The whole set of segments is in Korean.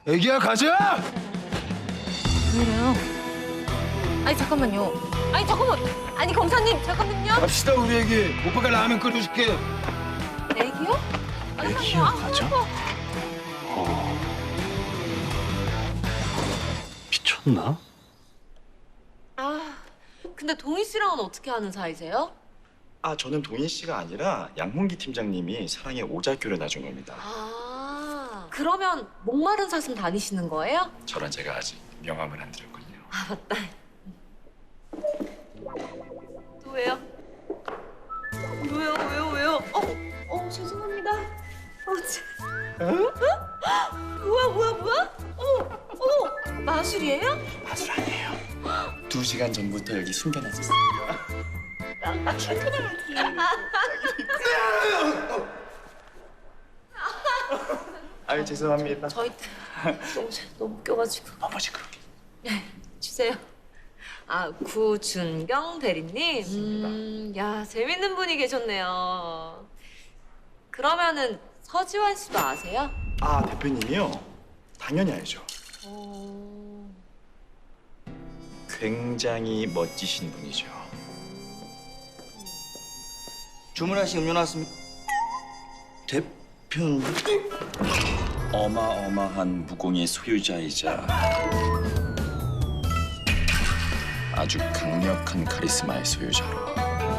애기야 가자. 왜 이래요? 아니 잠깐만요. 아니 잠깐만. 아니 검사님 잠깐만요. 갑시다 우리 애기. 오빠가 라면 끓여줄게. 애기요? 애기야 가자? 미쳤나? 아 근데 동희 씨랑은 어떻게 하는 사이세요? 아, 저는 동인 씨가 아니라 양홍기 팀장님이 사랑의 오작교를 놔준 겁니다. 아 그러면 목마른 사슴 다니시는 거예요? 저랑 제가 아직 명함을 안 드렸거든요. 아 맞다. 또 왜요? 왜요? 죄송합니다. 뭐야? 마술이에요? 마술 아니에요. 2시간 전부터 여기 숨겨놨었어요. 아유, 죄송합니다. 저희 때 너무 웃겨가지고. 뭐지 그렇게? 주세요. 아 구준경 대리님. 야 재밌는 분이 계셨네요. 그러면은 서지환 씨도 아세요? 아, 대표님이요? 당연히 알죠. 굉장히 멋지신 분이죠. 주문하신 음료 나왔습니다. 대표님. 어마어마한 무공의 소유자이자 아주 강력한 카리스마의 소유자로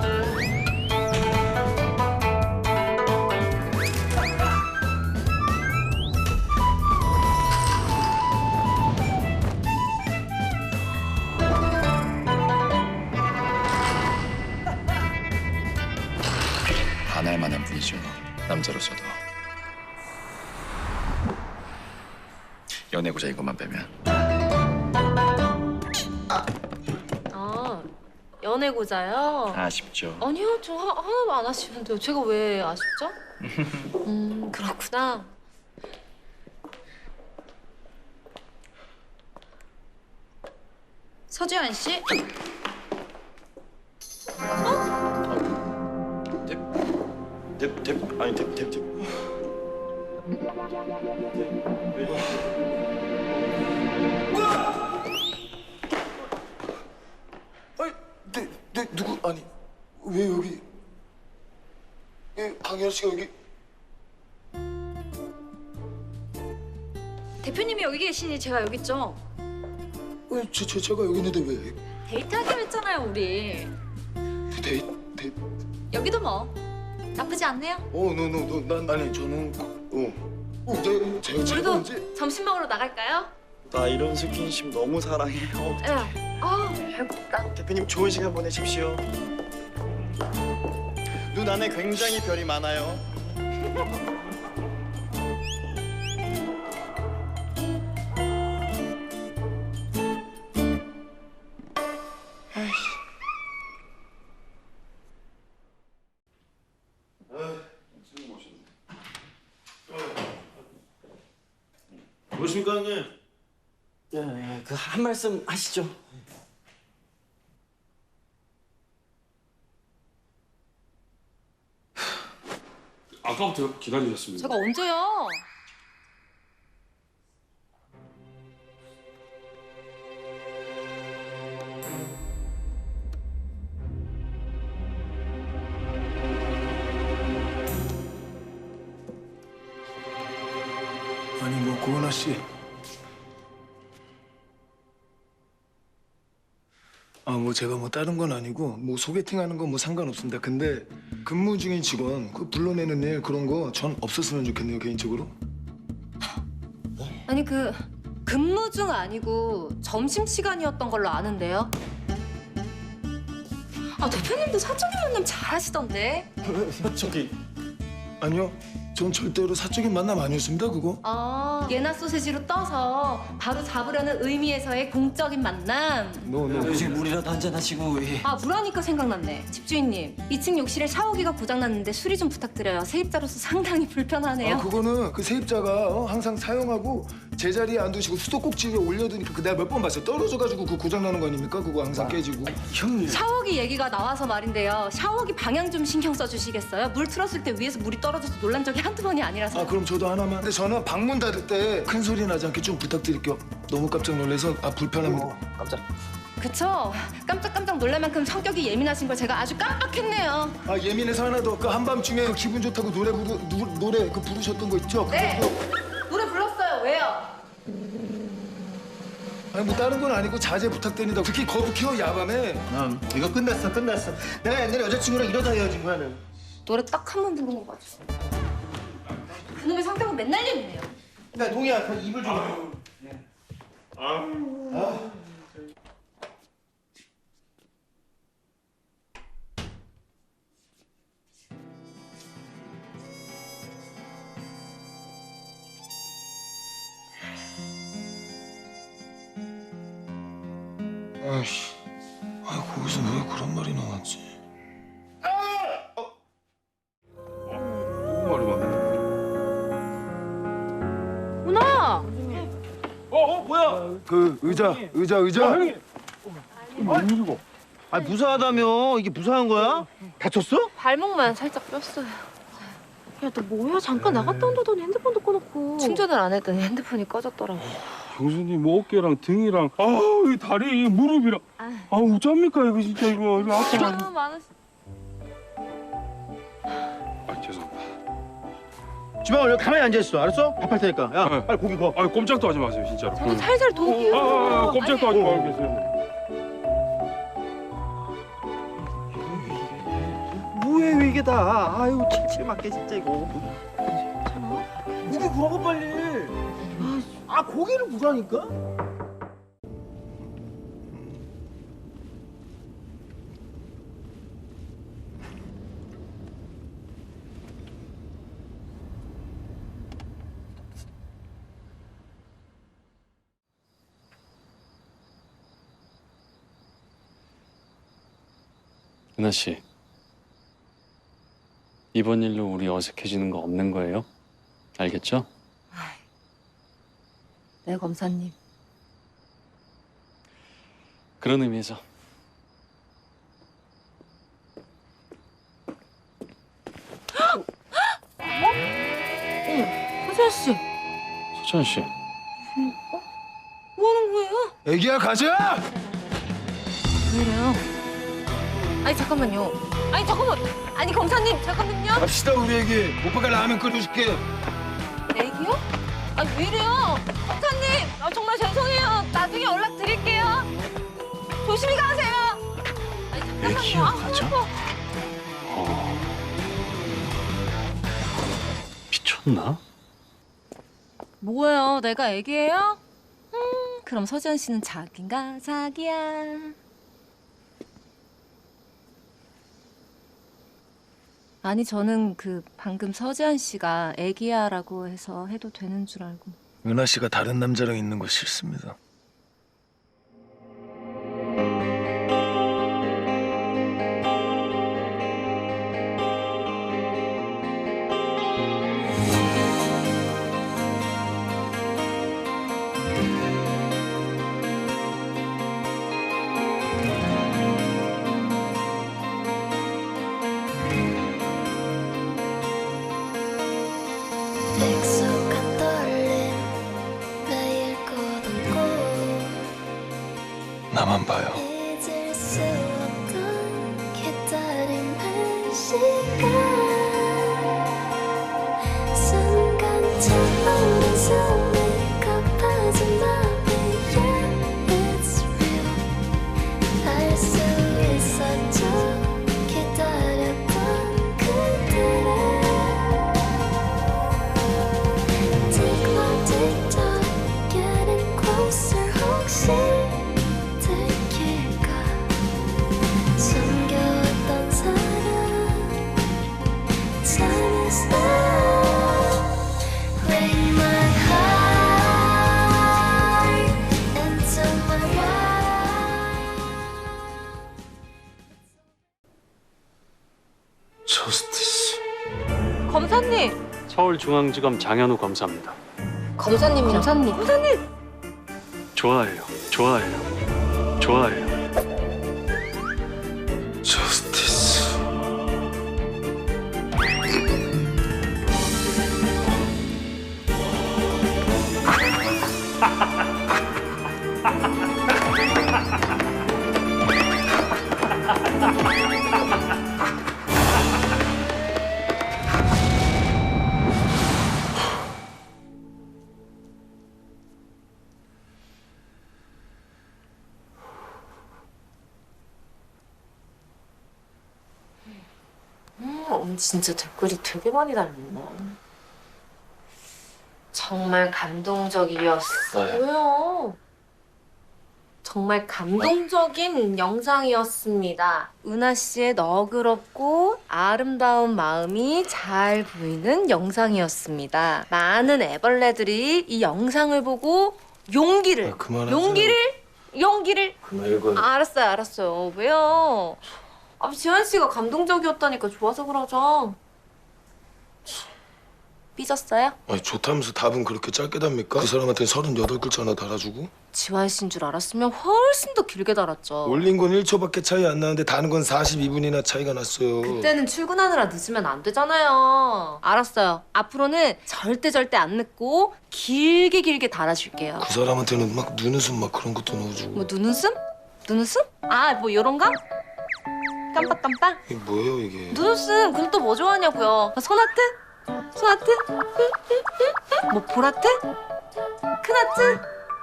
반할 만한 분이죠. 남자로서도. 연애고자 이것만 빼면. 아 연애고자요? 아쉽죠. 아니요 저 하나도 안 아쉬운데요. 제가 왜 아쉽죠? 그렇구나. 서지환 씨? 아니. 아니 누구 아니 왜 여기? 강현 씨가 여기? 대표님이 여기 계시니 제가 여기 있죠. 왜 제가 여기 있는데 왜? 데이트하기로 했잖아요, 우리. 데이트? 여기도 뭐 나쁘지 않네요. 난 아니 저는 제가 우리도 언제? 점심 먹으러 나갈까요? 나 이런 스킨십 너무 사랑해요. 예. 배고프다. 대표님 좋은 시간 보내십시오. 눈 안에 굉장히 별이 많아요. 무엇입니까 형님? 그 한 말씀 하시죠. 아까부터 기다리셨습니다. 제가 언제요? 아니 뭐 고은아 씨. 뭐 제가 뭐 다른 건 아니고 뭐 소개팅하는 건 뭐 상관없습니다. 근데 근무 중인 직원 그 불러내는 일 그런 거 전 없었으면 좋겠네요 개인적으로. 아니 그 근무 중 아니고 점심 시간이었던 걸로 아는데요. 아 대표님도 사적인 만남 잘하시던데. 저기 아니요, 전 절대로 사적인 만남 아니었습니다 그거. 아 예나 소세지로 떠서 바로 잡으려는 의미에서의 공적인 만남. 지금 물이라도 한잔 하시고. 아 물하니까 생각났네. 집주인님 2층 욕실에 샤워기가 고장났는데 수리 좀 부탁드려요. 세입자로서 상당히 불편하네요. 그거는 그 세입자가 항상 사용하고 제자리에 안 두시고 수도꼭지 위에 올려두니까 그 내가 몇 번 봤어요. 떨어져가지고 그 고장 나는 거 아닙니까? 그거 항상 깨지고. 형님. 샤워기 얘기가 나와서 말인데요. 샤워기 방향 좀 신경 써주시겠어요? 물 틀었을 때 위에서 물이 떨어져서 놀란 적이 한두 번이 아니라서. 아 그럼 저도 하나만. 근데 저는 방문 닫을 때 큰 소리 나지 않게 좀 부탁드릴게요. 너무 깜짝 놀라서 불편합니다. 깜짝. 그쵸? 깜짝깜짝 놀랄 만큼 성격이 예민하신 걸 제가 아주 깜빡했네요. 아 예민해서 하나 더. 그 한밤중에 그 기분 좋다고 노래 그 부르셨던 거 있죠? 네. 노래 불렀어요. 왜요? 아니 뭐 다른 건 아니고 자제 부탁드립니다. 특히 거북해요 야밤에. 이거 끝났어. 내가 옛날에 여자친구랑 이러다 헤어진 거야. 는 노래 딱 한 번 부른 거 가지고. 그놈의 성격은 맨날 예민해요. 야 동이야, 그 입을 좀. 아이씨. 아 거기서 왜 그런 말이 나왔지? 무슨 말이 많네. 문아! 뭐야? 그 의자. 웬일이고? 아 무사하다며? 이게 무사한 거야? 다쳤어? 발목만 살짝 뼈어요. 야, 너 뭐야? 잠깐 나갔다 온다더니 핸드폰도 꺼놓고. 충전을 안 했더니 핸드폰이 꺼졌더라고. 형수님 뭐 어깨랑 등이랑 이 다리, 이 무릎이랑 어쩝니까 이거 진짜 이거 아파가지고. 너무 많으시... 죄송합니다. 지방아 여기 가만히 앉아있어. 알았어? 밥할 테니까. 야 네. 빨리 고기 구워. 꼼짝도 하지 마세요 진짜로. 저도 살살 도울게요. 꼼짝도 하지 말고 계세요. 뭐예요 이게 다. 아유 칠칠 맞게 진짜 이거. 고기 구워 빨리. 아 고기를 구라니까? 은하 씨, 이번 일로 우리 어색해지는 거 없는 거예요? 알겠죠? 네, 검사님. 그런 의미에서 서재현 씨, 서찬 씨, 뭐 하는 거예요? 애기야 가자. 왜 이래요? 아니 잠깐만요. 아니 잠깐만. 아니 검사님 잠깐만요. 갑시다 우리 애기. 오빠가 라면 끓여줄게. 애기요? 아니 왜 이래요? 검사님, 정말 죄송해요. 나중에 연락 드릴게요. 조심히 가세요. 아니 잠깐만요. 애기야 가자? 미쳤나? 뭐예요? 내가 애기예요? 그럼 서지현 씨는 자기인가? 자기야. 아니 저는 방금 서지현 씨가 애기야라고 해서 해도 되는 줄 알고. 은하 씨가 다른 남자랑 있는 거 싫습니다. 익숙한 떨림 매일 걷고 나만 봐요. 잊을 수 없던 기다림의 시간 순간 차오른 숨이 가빠진 맘이 Yeah, it's real 알 수 있었죠 기다렸던 그들의 Getting closer 혹시 들킬까 숨겨왔던 사랑 Time is now Bring my heart into my life 저스티스. 검사님, 서울중앙지검 장현우 검사입니다. 검사님이랑. 검사님. 좋아해요. 좋아해요. 좋아해요. 저스티스. 언니 진짜 댓글이 되게 많이 달렸네. 정말 감동적이었어요. 왜요? 정말 감동적인 영상이었습니다. 은하 씨의 너그럽고 아름다운 마음이 잘 보이는 영상이었습니다. 많은 애벌레들이 이 영상을 보고 용기를, 그만하세요. 용기를. 그만 읽어요. 알았어요. 왜요? 아, 지환 씨가 감동적이었다니까 좋아서 그러죠. 삐졌어요? 아니 좋다면서 답은 그렇게 짧게 답니까? 그 사람한테 38글자나 달아주고 지환 씨인 줄 알았으면 훨씬 더 길게 달았죠. 올린 건 1초밖에 차이 안 나는데 다는 건 42분이나 차이가 났어요. 그때는 출근하느라 늦으면 안 되잖아요. 알았어요. 앞으로는 절대 안 늦고 길게 달아줄게요. 그 사람한테는 막 눈웃음 막 그런 것도 넣어주고. 뭐 눈웃음? 아, 뭐 요런가? 깜빡? 이게 뭐예요 이게? 눈웃음. 그럼 또 뭐 좋아하냐고요? 손하트? 뭐 볼하트? 큰하트?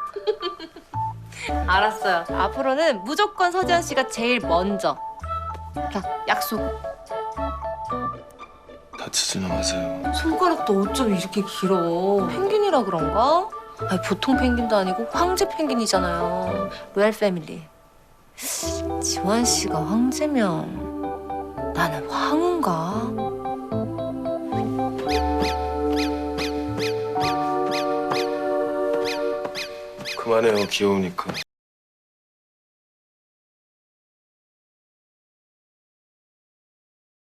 알았어요. 앞으로는 무조건 서지현 씨가 제일 먼저. 자, 약속. 다치지는 마세요. 손가락도 어쩜 이렇게 길어. 펭귄이라 그런가? 아니, 보통 펭귄도 아니고 황제 펭귄이잖아요. 로얄 패밀리. 지환 씨가 황제면 나는 황후인가? 그만해요 귀여우니까.